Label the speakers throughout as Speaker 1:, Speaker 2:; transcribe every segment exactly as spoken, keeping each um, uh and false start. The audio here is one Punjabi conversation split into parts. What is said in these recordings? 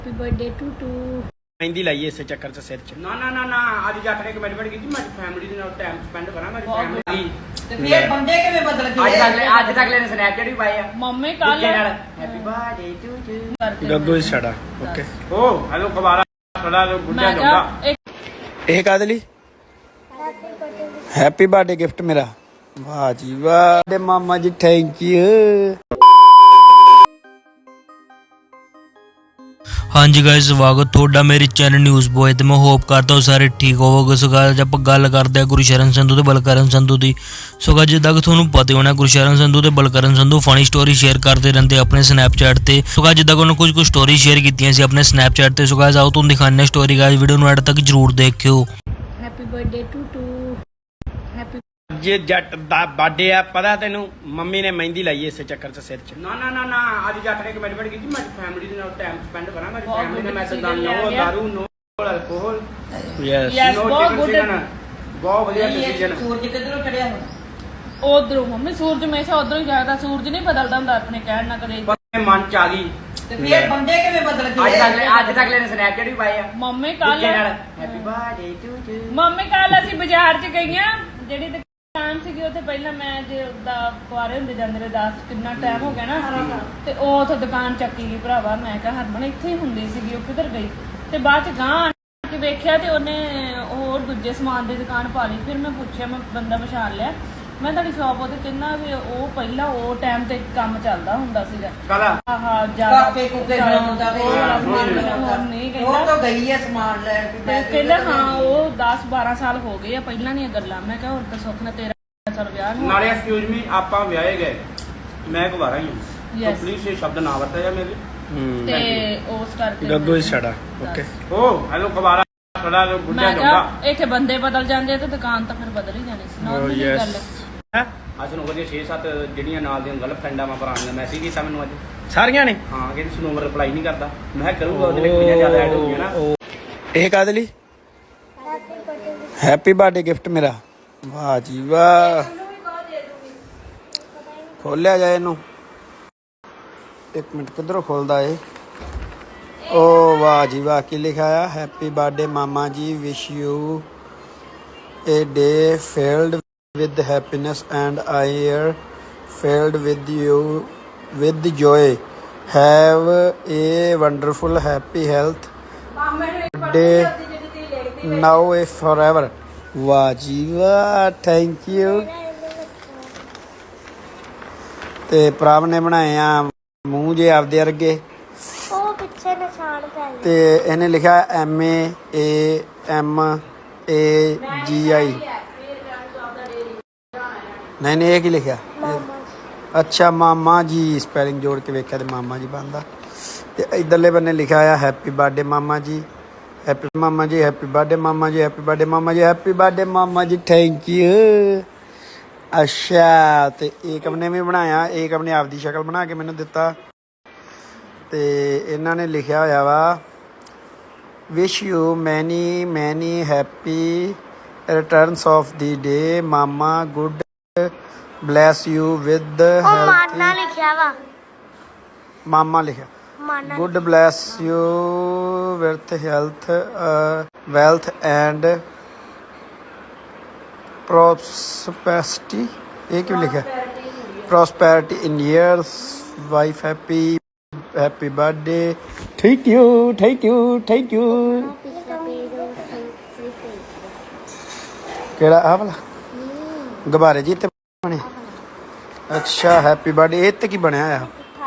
Speaker 1: हैप्पी बर्थडे टू टू
Speaker 2: मेहंदी लाइए इस चक्कर से सिर च
Speaker 3: ਨਾ ਨਾ ਨਾ ਨਾ ਅੱਜ ਜੱਟ ਨੇ ਕਮਿਟਮੈਂਟ ਕੀਤੀ ਮੈਂ ਫੈਮਿਲੀ ਦੇ ਨਾਲ ਟਾਈਮ ਸਪੈਂਡ ਕਰਾਂ ਮੇਰੀ ਫੈਮਿਲੀ
Speaker 4: ਤੇ ਫਿਰ ਬੰਦੇ ਕਿਵੇਂ ਬਦਲ
Speaker 3: ਅੱਜ
Speaker 4: ਗਏ
Speaker 3: ਤੱਕ ਅੱਜ ਤੱਕ ਲੈਣੇ ਸਨੈਪਚੈਟ ਵੀ ਪਾਏ ਆ
Speaker 1: मम्मी कल
Speaker 3: happy birthday to to
Speaker 2: Gaggu ही छड़ा ओके
Speaker 3: ਓ ਹਲੋ ਕਬਾਲਾ ਖੜਾ ਲੋ ਗੁੱਡਾ
Speaker 1: मैं
Speaker 3: ਜਾਊਗਾ
Speaker 1: क्या एक
Speaker 2: ਇਹ ਕਾਦੇ ਲਈ ਹੈਪੀ ਬਰਥਡੇ ਗਿਫਟ ਮੇਰਾ ਵਾਹ ਜੀ ਵਾਹ ਤੇ ਮਾਮਾ ਜੀ ਥੈਂਕ ਯੂ
Speaker 5: ਹਾਂਜੀ ਗਾਇਸ ਸਵਾਗਤ ਤੁਹਾਡਾ ਮੇਰੇ ਚੈਨਲ ਨਿਊਜ਼ ਬੋਏ ਤੇ ਮੈਂ ਹੋਪ ਕਰਦਾ ਹਾਂ ਸਾਰੇ ਠੀਕ ਹੋਵੋਗੇ। ਸੋ ਗਾਇਸ ਆਪਾਂ ਗੱਲ ਕਰਦੇ ਹਾਂ ਗੁਰਸ਼ਰਨ ਸੰਧੂ ਤੇ ਬਲਕਰਨ ਸੰਧੂ ਦੀ। ਸੋ ਗਾਇਸ ਜਿੱਦਾਂ ਕਿ ਤੁਹਾਨੂੰ ਪਤਾ ਹੋਣਾ ਗੁਰਸ਼ਰਨ ਸੰਧੂ ਤੇ Balkaran Sandhu funny story share ਕਰਦੇ ਰਹਿੰਦੇ ਆਪਣੇ ਸਨੈਪਚੈਟ ਤੇ। ਸੋ ਗਾਇਸ ਜਿੱਦਾਂ ਕਿ ਉਹਨਾਂ ਕੁਝ ਕੁ ਸਟੋਰੀ ਸ਼ੇਅਰ ਕੀਤੀਆਂ ਸੀ ਆਪਣੇ ਸਨੈਪਚੈਟ ਤੇ। ਸੋ ਗਾਇਸ ਆਓ ਤੁਹਾਨੂੰ ਦਿਖਾਉਂਦੇ ਹਾਂ ਸਟੋਰੀ। ਗਾਇਸ ਵੀਡੀਓ ਨੂੰ ਐਡ ਤੱਕ ਜਰੂਰ ਦੇਖਿਓ।
Speaker 1: Happy birthday to to happy
Speaker 2: ਜੇ ਜੱਟ ਦਾ ਬਰਥਡੇ ਆ ਪਤਾ ਤੈਨੂੰ ਮੰਮੀ ਨੇ ਮਹਿੰਦੀ ਲਾਈ ਇਸੇ ਚੱਕਰ ਚ ਸਿਰ ਚ
Speaker 3: ਨਾ ਨਾ ਨਾ ਨਾ ਅੱਜ ਜੱਟ ਨੇ ਕਮਿਟਮੈਂਟ ਕੀਤੀ ਮੈਂ ਫੈਮਿਲੀ ਦੇ ਨਾਲ ਟਾਈਮ ਸਪੈਂਡ ਕਰਾਂ ਮੇਰੀ
Speaker 1: ਬਹੁਤ
Speaker 3: ਫੈਮਿਲੀ ਨੇ ਮੈਂ
Speaker 1: good
Speaker 3: ਤਾਂ
Speaker 1: decision
Speaker 3: ਨੋ
Speaker 1: ਲਿਆ
Speaker 3: ਦਾਰੂ no alcohol
Speaker 2: yes
Speaker 1: Yes,
Speaker 3: no
Speaker 1: ਬਹੁਤ good
Speaker 3: ਡਿਸੀਜਨ ਬਹੁਤ ਵਧੀਆ ਡਿਸੀਜਨ
Speaker 4: ਸੂਰਜ ਕਿੱਧਰੋਂ ਚੜਿਆ ਹੁਣ
Speaker 1: ਉਧਰੋਂ ਮੰਮੀ ਸੂਰਜ ਹਮੇਸ਼ਾ ਉਧਰੋਂ ਹੀ ਜਾਗਦਾ। ਸੂਰਜ ਨਹੀਂ ਬਦਲਦਾ ਹੁੰਦਾ ਆਪਣੇ ਕਹਿਣ ਨਾਲ ਕਦੇ।
Speaker 3: ਪਰ ਮਨ ਚ ਆ ਗਈ
Speaker 4: ਤੇ ਫਿਰ ਬੰਦੇ ਕਿਵੇਂ ਬਦਲ
Speaker 3: ਅੱਜ
Speaker 4: ਗਏ
Speaker 3: ਤੱਕ ਅੱਜ ਤੱਕ ਲੈਣੇ ਸਨੈਪਚੈਟ ਵੀ ਪਾਏ ਆ
Speaker 1: ਮੰਮੀ ਕੱਲ
Speaker 3: happy birthday to to
Speaker 1: mummy ਕੱਲ ਅਸੀਂ ਬਾਜ਼ਾਰ 'ਚ ਗਈਆਂ ਜਿਹੜੀ ਦੁਕਾਨ ਸੀਗੀ ਉੱਥੇ ਪਹਿਲਾਂ ਮੈਂ ਜੇ ਦਾ ਕੁਆਰੇ ਹੁੰਦੇ ਜਾਂਦੇ ਰਹੇ ਦਸ ਕਿੰਨਾ ਟਾਈਮ ਹੋ ਗਿਆ ਨਾ ਤੇ ਉਹ ਉੱਥੇ ਦੁਕਾਨ ਚੱਕੀ ਗਈ ਭਰਾਵਾ। ਮੈਂ ਕਿਹਾ ਹਰਮਨ ਇੱਥੇ ਹੀ ਹੁੰਦੀ ਸੀਗੀ ਉਹ ਕਿੱਧਰ ਗਈ ਤੇ ਬਾਅਦ 'ਚ ਗਾਂ ਆਣ ਕੇ ਵੇਖਿਆ ਤੇ ਉਹਨੇ ਹੋਰ ਦੂਜੇ ਸਮਾਨ ਦੀ ਦੁਕਾਨ ਪਾ ਲਈ। ਫਿਰ ਮੈਂ ਪੁੱਛਿਆ ਮੈਂ ਬੰਦਾ ਪਛਾਣ ਲਿਆ ਮੈਂ ਤੁਹਾਡੀ ਸ਼ਾਪ ਉਹਦੇ ਕਹਿੰਦਾ ਵੀ ਉਹ ਪਹਿਲਾਂ ਉਹ ਟਾਈਮ ਤੇ ਕੰਮ ਚੱਲਦਾ ਹੁੰਦਾ ਸੀਗਾ।
Speaker 3: ਕਾਲਾ
Speaker 1: ਆਹਾ ਜਿਆਦਾ
Speaker 4: ਕਾਪੇ ਕੁੱਪੇ ਬਣਾਉਂਦਾ ਤੇ
Speaker 1: ਉਹ ਵਾਲਾ ਸਮਾਨ
Speaker 4: ਹੋਰ
Speaker 1: ਬਣਾਉਂਦਾ ਨਹੀਂ
Speaker 4: ਉਹ
Speaker 1: ਕਹਿੰਦਾ
Speaker 4: ਤਾਂ ਗਈ ਹੈ ਸਮਾਨ ਲੈ ਕੇ
Speaker 1: ਤੇ ਕਹਿੰਦਾ ਹਾਂ ਉਹ ਦਸ ਬਾਰਾਂ ਸਾਲ ਹੋ ਗਏ ਆ ਪਹਿਲਾਂ ਦੀਆਂ ਗੱਲਾਂ। ਮੈਂ ਕਿਹਾ ਹੁਣ ਤਾਂ ਸੁੱਖ ਨਾਲ ਤੇਰਾ ਸਾਲ ਵਿਆਹ ਨੂੰ
Speaker 3: ਨਾਲੇ ਐਕਸਕਿਊਜ਼ ਮੀ ਆਪਾਂ ਵਿਆਹੇ ਗਏ ਮੈਂ ਕੁਵਾਰਾ ਹੀ ਹਾਂ
Speaker 1: Yes.
Speaker 3: ਪਲੀਜ਼ ਇਹ ਸ਼ਬਦ ਨਾ ਵਰਤਿਆ ਜਾ ਮੇਰੇ
Speaker 1: ਤੇ ਉਸ ਕਰਕੇ
Speaker 2: ਗੱਗੂ ਹੀ ਛੜਾ ਓਕੇ
Speaker 3: ਓ ਹਲੋ ਕਬਾਲਾ ਖੜਾ ਲੋ ਗੁੱਡਾ
Speaker 1: ਮੈਂ
Speaker 3: ਜਾਊਗਾ
Speaker 1: ਕਿਹਾ ਇੱਥੇ ਬੰਦੇ ਬਦਲ ਜਾਂਦੇ ਆ ਤੇ ਦੁਕਾਨ ਤਾਂ ਫਿਰ ਬਦਲ ਹੀ ਜਾਣੀ ਸੀ। Normal
Speaker 2: yes.
Speaker 1: ਗੱਲ ਹੈ।
Speaker 3: ਅੱਜ ਨੂੰ ਵਧੀਆ ਛੇ ਸੱਤ ਜਿਹੜੀਆਂ ਨਾਲ ਦੀਆਂ ਗਰਲਫ੍ਰੈਂਡਾਂ ਮੈਂ ਭਰਾ ਨੇ ਮੈਸੇਜ ਕੀਤਾ ਮੈਨੂੰ ਅੱਜ
Speaker 2: ਸਾਰੀਆਂ ਨੇ
Speaker 3: ਹਾਂ ਕਹਿੰਦੀ ਸੁਨੋਮਰ ਰਿਪਲਾਈ ਨਹੀਂ ਕਰਦਾ ਮੈਂ ਕਿਹਾ ਕਰੂੰਗਾ ਉਹਦੇ ਲਈ ਕੁੜੀਆਂ ਜ਼ਿਆਦਾ ਐਡ ਹੋ ਗਈਆਂ ਨਾ
Speaker 2: ਇਹ ਕਾਦੇ ਲਈ ਹੈਪੀ ਬਰਥਡੇ ਗਿਫਟ ਮੇਰਾ ਵਾਹ ਜੀ ਵਾਹ ਖੋਲਿਆ ਜਾਏ ਇਹਨੂੰ ਇੱਕ ਮਿੰਟ ਕਿੱਧਰੋਂ ਖੋਲਦਾ ਏ। ਓ ਵਾਹ ਜੀ ਵਾਹ ਕੀ ਲਿਖਿਆ ਆ ਹੈਪੀ ਬਰਥਡੇ ਮਾਮਾ ਜੀ wish you a day filled with happiness and I am filled with you with joy. Have a wonderful happy health day now and forever. ਵਾਹ ਜੀ ਵਾਹ ਥੈਂਕ ਯੂ। ਤੇ ਪ੍ਰਭ ਨੇ ਬਣਾਏ ਆ ਮੂੰਹ ਜੇ ਆਪਦੇ ਵਰਗੇ
Speaker 6: ਉਹ ਪਿੱਛੇ ਨਿਸ਼ਾਨ ਪੈ ਗਏ
Speaker 2: ਤੇ ਇਹਨੇ ਲਿਖਿਆ M A A M A ਜੀ ਆਈ ਨਹੀਂ ਨਹੀਂ ਇਹ ਕੀ ਲਿਖਿਆ ਅੱਛਾ ਮਾਮਾ ਜੀ ਸਪੈਲਿੰਗ ਜੋੜ ਕੇ ਵੇਖਿਆ ਤੇ ਮਾਮਾ ਜੀ ਬਣਦਾ। ਤੇ ਇਧਰਲੇ ਬੰਨੇ ਲਿਖਿਆ ਆ ਹੈਪੀ ਬਰਥਡੇ ਮਾਮਾ ਜੀ ਹੈਪੀ ਮਾਮਾ ਜੀ ਹੈਪੀ ਬਰਥਡੇ ਮਾਮਾ ਜੀ ਹੈਪੀ ਬਰਥਡੇ ਮਾਮਾ ਜੀ ਹੈਪੀ ਬਰਥਡੇ ਮਾਮਾ ਜੀ ਥੈਂਕ ਯੂ। ਅੱਛਾ ਤੇ ਏਕਮ ਨੇ ਵੀ ਬਣਾਇਆ ਏਕਮ ਨੇ ਆਪਦੀ ਸ਼ਕਲ ਬਣਾ ਕੇ ਮੈਨੂੰ ਦਿੱਤਾ ਤੇ ਇਹਨਾਂ ਨੇ ਲਿਖਿਆ ਹੋਇਆ ਵਾ ਵਿਸ਼ you many many happy returns of the day ਮਾਮਾ ਗੁੱਡ ਬਲੈਸ ਯੂ ਵਿਦ
Speaker 6: ਉਹ ਮਾਨਾ ਲਿਖਿਆ ਵਾ
Speaker 2: ਮਾਮਾ ਲਿਖਿਆ
Speaker 6: ਮਾਨਾ
Speaker 2: god bless you with health wealth and prosperity ਇਹ ਕਿਉਂ ਲਿਖਿਆ prosperity in years wife happy happy birthday thank you thank you thank you. ਕਿਹੜਾ ਆ ਵਾਲਾ ਗੁਬਾਰੇ ਜੀ ਤੇ ਬਣਿਆ ਅੱਛਾ ਹੈਪੀ ਬਰਥਡੇ ਇਹ ਤੇ ਕੀ ਬਣਿਆ ਆ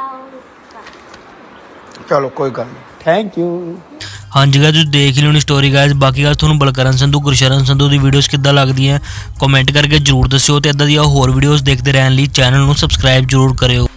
Speaker 2: ਚਲੋ ਕੋਈ ਗੱਲ ਨਹੀਂ ਥੈਂਕ ਯੂ।
Speaker 5: ਹਾਂਜੀ ਗਾਇਸ ਤੁਸੀਂ ਦੇਖ ਲਿਓ ਨੀ ਸਟੋਰੀ ਗਾਇਸ। ਬਾਕੀ ਗੱਲ ਤੁਹਾਨੂੰ ਬਲਕਰਨ ਸੰਧੂ ਗੁਰਸ਼ਰਨ ਸੰਧੂ ਦੀ ਵੀਡੀਓਜ਼ ਕਿੱਦਾਂ ਲੱਗਦੀਆਂ ਕਮੈਂਟ ਕਰਕੇ ਜਰੂਰ ਦੱਸਿਓ ਤੇ ਇਦਾਂ ਦੀਆਂ ਹੋਰ ਵੀਡੀਓਜ਼ ਦੇਖਦੇ ਰਹਿਣ ਲਈ ਚੈਨਲ ਨੂੰ ਸਬਸਕ੍ਰਾਈਬ ਜਰੂਰ ਕਰਿਓ।